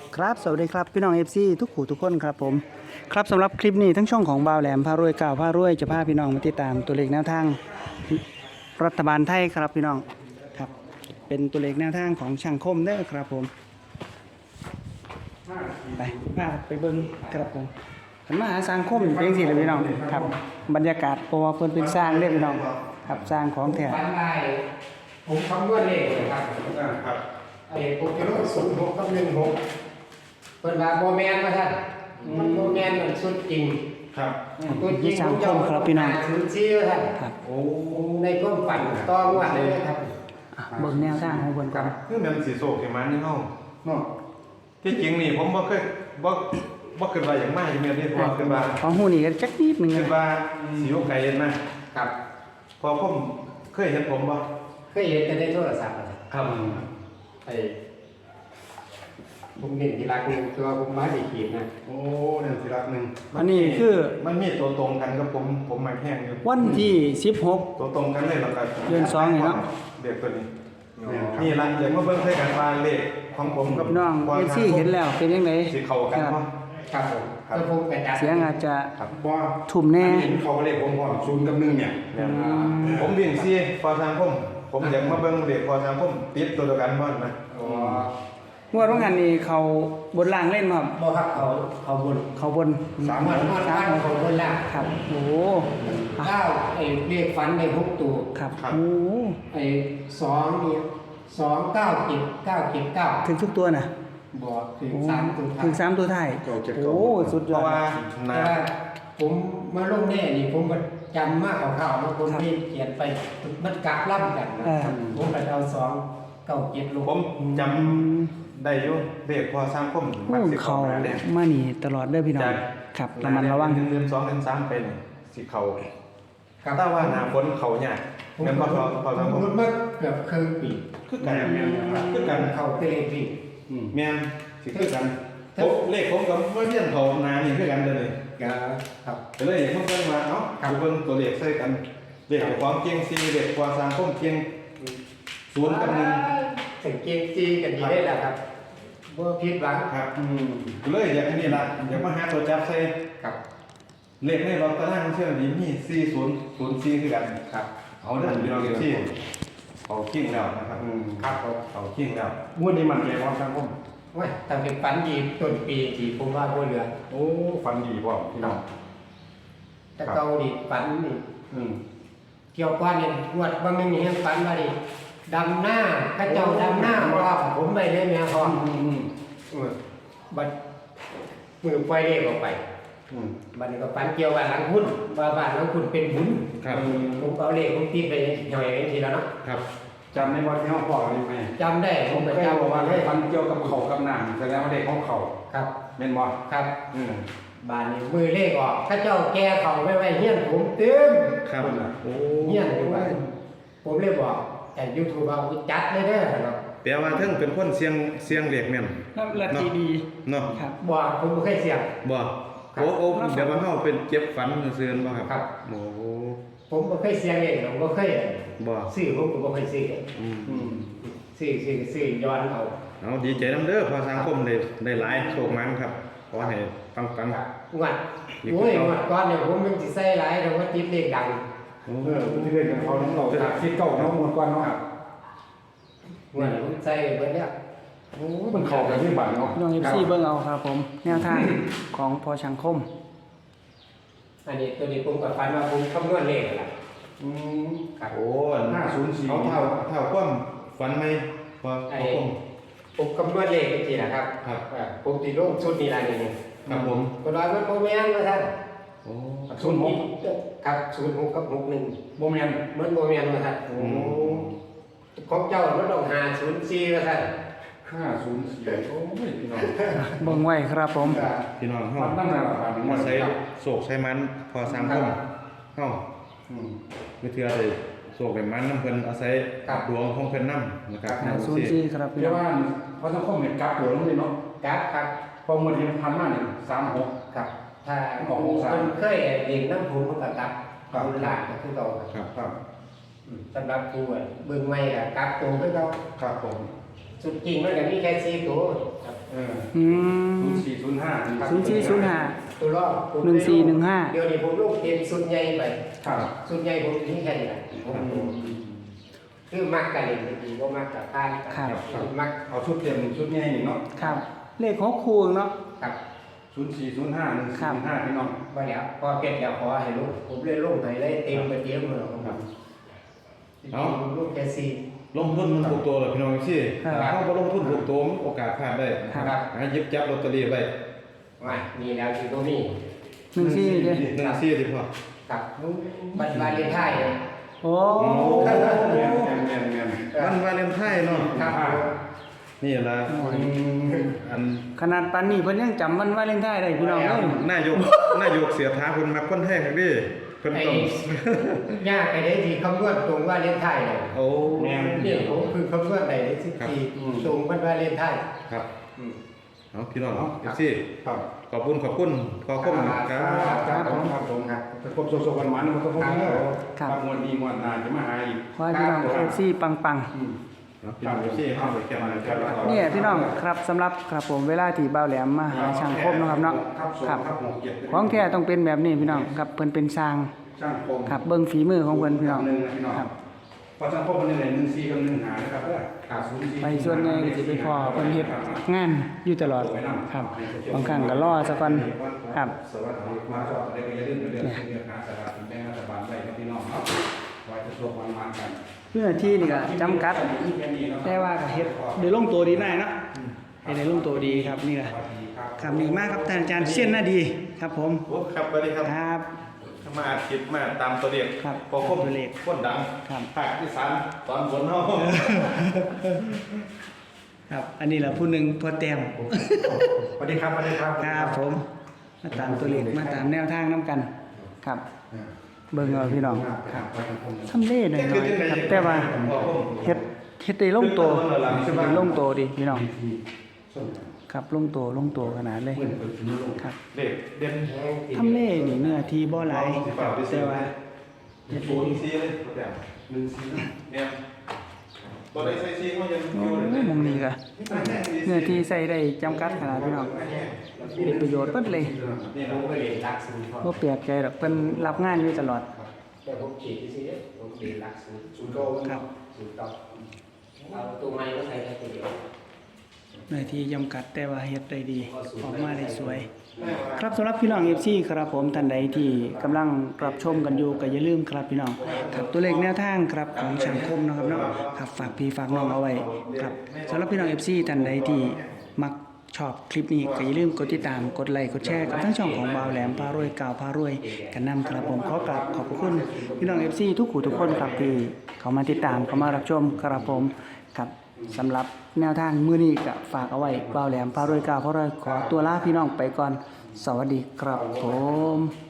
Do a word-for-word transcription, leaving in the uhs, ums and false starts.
ครับสวัสดีครับพี่น้อง เอฟ ซี ทุกขู่ทุกคนครับผมครับสำหรับคลิปนี้ทั้งช่องของบ่าวแหลมพารวยเก่าพารวยจะพาพี่น้องมาติดตามตัวเลขแนวทางรัฐบาลไทยครับพี่น้องครับเป็นตัวเลขแนวทางของช่างคมเด้อครับผมไปพาไปเบิ้งครับผมขันมาหาสร้างคมเป็นสิเลยพี่น้องครับบรรยากาศเพราะว่าเพิ่นเป็นสร้างเด้อพี่น้องครับสร้างของแท้ฝันได้ผมคำนวณเลขเลยครับครับไอ้โปรแกรมศูนย์หกกับหนึ่งหกเปิดมาโมแมนมาท่านมันโมแมนมันสุดจริงครับตัวจริงผมจะเอาไปศูนย์สี่ท่านโอ้ในก้มฝันต้องวันเลยครับเบิ่งแนวทางของเพิ่นก่อนคือมันสีโศกอย่างมันนี่เนาะเนาะที่จริงนี่ผมบ่เคยบ่บ่คิดว่าอย่างมากอย่างเงี้ยนี่พอคิดว่าของหูนี่ก็จักนิดนึงคิดว่าสิอยู่ไกลนะครับพอผมเคยเห็นผมบ่เคยเห็นแต่ในโทรศัพท์ครับไอ้ผมเห็นที่รักหนึ่งตัวผมมาดีขีดนะโอ้เนี่ยสิรักนึงอันนี้คือมันมีตัวตรงกันกับผมผมมาแห้งอยู่วันที่สิบหกตัวตรงกันเลยแล้วก็เดือนสองนี่เนาะเด็กตัวนี้นี่ล่ะอย่างมาเบิ่งใส่กันว่าเลขของผมกับน้องเอซี่เห็นแล้วเป็นยังไงสิเข้ากันบ่ครับผมก็ผมกระจายเสียงอาจจะครับบ่ทุ่มแน่เห็นเขาเลขผมพร้อมศูนย์กับหนึ่งเนี่ยผมวิ่งซี่พอทางผมผมอยากมาเบิ่งเลขพอทางผมติดตัวเดียวกันบ่นะอ๋องวดว่างานนี้เขาบนล่างเล่นมาครับบ่ครับเขาเขาบนเขาบนสามวันวันวันเขาบนล่างครับโอ้โหอ่ะเก้าไอ้เลขฝันในหกตัวครับโอ้โหไอ้สองนี่สองเก้าเจ็ดเก้าเจ็ดเก้าถึงทุกตัวนะบอกถึงโอ้สามตัวท้ายถึงสามตัวท้ายโอ้สุดยเพอราะดว่าแต่นาว่าผมมาลงแน่นี่ผมก็จำมากข่าวๆมาคนที่เขียนไปมันกลับล่ำกันนะผมก็เอาสองเก้าเจ็ดลงผมจำได้อยู่เลขพอทางผมโอ้เขามานี่ตลอดเด้อพี่น้องครับระมัดระวังเดือนสองเดือนสามเป็นสิเขาครับถ้าว่าหน้าฝนเขายากผมแม่นบ่พอพอทางผมรุดมาเกือบครึ่งปีคือกันคือกันเข้าเตะปีแม่นสิคือกันโอ้เลขผมกับบ่เรียนเขาหน้านี่คือกันเด้อนี่ครับก็เลยผมเพิ่นว่าเอ้าดูเบิ่งตัวเลขใส่กันเลขความเก่งสี่เลขความสร้างผมเก่งศูนย์กับหนึ่งสังเกตจีกันดีได้แล้วครับบ่ผิดหวังครับอืมก็เลยอยากให้นี่ล่ะอยากมาหาตัวจับใส่ครับเลขในรอบตารางเชื่อนี้มีสี่ศูนย์ศูนย์สี่คือกันครับเอาเด้อพี่น้องที่เอาขิงแล้วนะครับครับผมเอาขิงแล้วงวดนี้มันเลยว่าครับผมว่าทำเป็นฝันดีต้นปีที่ผมว่าบ่เหลือโอ้ฟันดีพ่อพี่น้องแต่เกาดิฝันนี่อืมเกี่ยวก้อนเนี่ยงวดว่าไม่มีให้ฝันว่าดิดำหน้าข้าเจ้าดำหน้าว่าผมไปเลยแม่พ่ออืมอืมเออบัดมือไฟเรียกออกไปอืมบัดนี้ก็ฝันเกี่ยวว่าหลังหุ้นว่าบ้านหลังหุ้นเป็นบุญครับผมเอาเลขผมตีไปหน่อยเองทีแล้วเนาะครับจำในวันที่เขาพ่อได้ไหมจำได้ผผม มก็เคยจำบอกว่าให้ได้ฟันเกี่ยวกับเขากับน้ำแสดงว่าเด็กของเขาครับเม่นบ่ครับอืมบ้านนี้มือเลขออกข้าเจ้าแก่เขาไว้ไว้เฮี้ยนผมเต็มครับโอ้เฮี้ยนอยู่บ้านผมเลยบอกแต่ยูทูบเอาจัดเลยเด้อครับแปลว่าเทิงเป็นคนเสียงเสียงเลขแม่นน้ำละทีดีเนาะครับบอกผมบ่เคยเสี่ยงบ่ครับโอ้โอ้เดี๋ยวว่าเฮาเป็นเจ็บฝันซื่อๆบ่ครับครับโอ้ผมบ่เคยเสี่ยงเองผมบ่เคยบ่ซื้อผมก็บ่เคยซื้ออืมอืมซื้อซื้อซื้อย้อนเอาเอาดีใจนํเด้อพอสังคมได้ได้หลายโชคมันครับขอให้ปังครับงวดโอ้ยงวดก่อนเนี่ยผมมันสิใส่หลายแต่ว่าติดเลขดังๆโอ้เออที่เล่นกับเขาน้องเราจากคิดเก่าน้องหมดก่อนเนาะงวดนี้ผมใส่เบิดแล้วโอ้มันเข้ากันที่บ้านเนาะพี่น้องเอฟซีเบิ่งเอาครับผมแนวทางของพอช่างคมอันนี้ตัวนี้ผมก็ฝันว่าผมคำนวณเลขล่ะอืมครับโอ้ห้าศูนย์สี่เอาเท่าเท่าความฝันไหมพอไอ้สังคมผมคำนวณเลขจริงๆนะครับครับเอ่อผมตีลงชุดนี้ล่ะนี่นี่ครับผมก็ร้อยมันบ่แม่นว่าท่านโอ้ศูนย์หกครับศูนย์หกกับหกหนึ่งโมเมนมันบ่แม่นว่าท่านโอ้ของเจ้ามันต้องหาศูนย์สี่ว่าท่านห้าศูนย์สี่โอ้ยพี่น้องเบิ่งไว้ครับผมพี่น้องเฮามันตั้งแต่ละพันมาใช้โศกใช้มันพอสังคมเฮาอืมวิทยาได้โศกเป็นมันน้ำเพิ่นอาศัยดวงของเพิ่นนำนะครับหาศูนย์สี่ครับพี่เรียน้กองว่าเพราะต้องข้อมูลกราฟตัวลงเลยเนาะครับครับพอเมื่อที่พันมาเนี่ยสามหกครับ ถ้าออกหกสามคนเคยเรียนน้ำผมมันก็กลับครับคุณหลานก็คือเราครับครับอืมสำหรับผู้อะเบิ่งใหม่ก็กลับตัวคือเราครับผมสุดจริงมันก็มีแค่สี่ตัวครับเอออืมศูนย์สี่ศูนย์ห้าศูนย์สี่ศูนย์ห้าตัวรอบผมหนึ่งสี่หนึ่งห้าเดี๋ยวนี้ผมลูกเต็มสุดใหญ่ไปครับสุดใหญ่ผมถึงแค่นี้แหละผมคือมักกันเองดีก็มักกับท่านกันมักเอาชุดเต็มชุดใหญ่นี่เนาะครับ เลขหกคูเนาะกับศูนย์สี่ศูนย์ห้าหนึ่งสี่ห้าพี่น้องมาแล้วพอเก็บแล้วขอให้ลูกผมเล่นลูกไหนได้เต็มไปเต็มเลยครับลูกแค่สี่ลงทุนมันถูกตัวเลยพี่น้องสิถ้าบ่ลงทุนถูกตัวโอกาสพลาดได้ครับให้หยิบจับลอตเตอรี่ไว้มานี่แล้วคือตรงนี้หนึ่งสี่เด้หนึ่งสี่สิพ่อกับบัตรวาเลนไทน์เลยโอ้แม่นแม่นแม่นแม่นวันวาเลนไทน์เนาะครับนี่ล่ะอันขนาดปานนี้เพิ่นยังจำวันวาเลนไทน์ได้พี่น้องเอ้ยนายกนายกเสียท้าเพิ่นมักคนไทยครับดิเพิ่นไอ้ต้องยากไอ้ได้ที่คำนวณตรงวาเลนไทน์เลยโอ้นี่ผมคือคำนวณไหนได้สิบสี่ตรงวันวาเลนไทน์ครับเอาพี่น้องเอาเอฟซีครับขอบคุณขอบคุณขอบคุณครับครับผมครับผมครับครบโซกันมันมันก็ครบแล้วครับมวนดีมวนนานจะมาหาอีกขอให้พี่น้อง เอฟ ซี ปังอืมเอาพี่น้องเอฟซีเข้าไปแก้มาครับๆเนี่ยพี่น้องครับสำหรับครับผมเวลาที่บ่าวแหลมมาหาช่างคมเนาะครับเนาะครับหกเจ็ดของแท้ต้องเป็นแบบนี้พี่น้องครับเพิ่นเป็นสร้างช่างคมครับเบิ่งฝีมือของเพิ่นพี่น้องหนึ่งนะพี่น้องครับพอช่างคมมันนี่ไหนหนึ่งสี่กับหนึ่งหานะครับเด้อขาดศูนย์สี่ไปส่วนใหญ่ก็สิไปพอเพิ่นเฮ็ดงานอยู่ตลอดครับบางครั้งก็รอซะก่อนครับสวัสดีมาชอบอะไรก็อย่าลืมเรื่องเรื่องหาสถาบันแบงก์รัฐบาลไว้ครับพี่น้องครับไว้จะโชควันมันกันเพื่อที่นี่ก็จำกัด แต่ว่าก็เฮ็ดได้ลงตัวดีได้เนาะเฮ็ดได้ลงตัวดีครับนี่ล่ะครับนี่มากครับท่านอาจารย์เสี้ยนหน้าดีครับผมโอ้ครับสวัสดีครับครับมาอาทิตย์มาตามตัวเลขครับพอคมตัวเลขคนดังครับภาคที่สามตอนบนเฮาครับ อันนี้แหละผู้หนึ่งพอแต้มสวัสดีครับสวัสดีครับครับผม มาตามตัวเลขมาตามแนวทางน้ำกัน ครับ เบิ่งเอาพี่น้องครับทำเล่หน่อยๆครับแต่ว่าเฮ็ดเฮ็ดได้ลงตัวเฮ็ดได้ลงตัวดีพี่น้องครับลงตัวลงตัวขนาดเลยครับเลขเด่นทำเล่นี่เนื้อที่บ่หลายแต่ว่าเฮ็ดศูได้นดีย์สี่เลยแต่หนึ่งสี่เนี่ยตัวใดใส่ซีก็ยังโอ้อยู่เลยยมองนี้ก็เนื้อที่ใส่ได้จำกัดขนาดพี่น้องเป็นประโยชน์เบิดเลยนี่ผนะมก็เรียนรักสูงพอบ่แปลกใจดอกเพิ่นรับงานอยู่ตลอดแต่ผมฉีดที่สิผมเรียนรักสูงสูงโตครับสูงโตเอาตัวไม้ก็ใส่แค่ตัวเดียวเนื้อที่จำกัดแต่ว่าเฮ็ดได้ดี ออกมาได้สวย ครับสำหรับพี่น้อง เอฟ ซี ครับผมท่านใดที่กำลังรับชมกันอยู่ก็อย่าลืมครับพี่น้องครับตัวเลขแนวทางครับของช่างคมนะครับเนาะครับฝากพี่ฝากน้องเอาไว้ครับสำหรับพี่น้อง เอฟ ซี ท่านใดที่มักชอบคลิปนี้ก็อย่าลืมกดติดตามกดไลค์กดแชร์กับทั้งช่องของบ่าวแหลมพารวยกาวพารวยกันนำครับผมขอกราบขอบพระคุณพี่น้อง เอฟ ซี ทุกผู้ทุกคนครับที่เขามาติดตามเขามารับชมครับผมครับสำหรับแนวทางมื้อนี้ก็ฝากเอาไว้บ่าวแหลมพารวยกาวพารวยขอตัวลาพี่น้องไปก่อนสวัสดีครับผม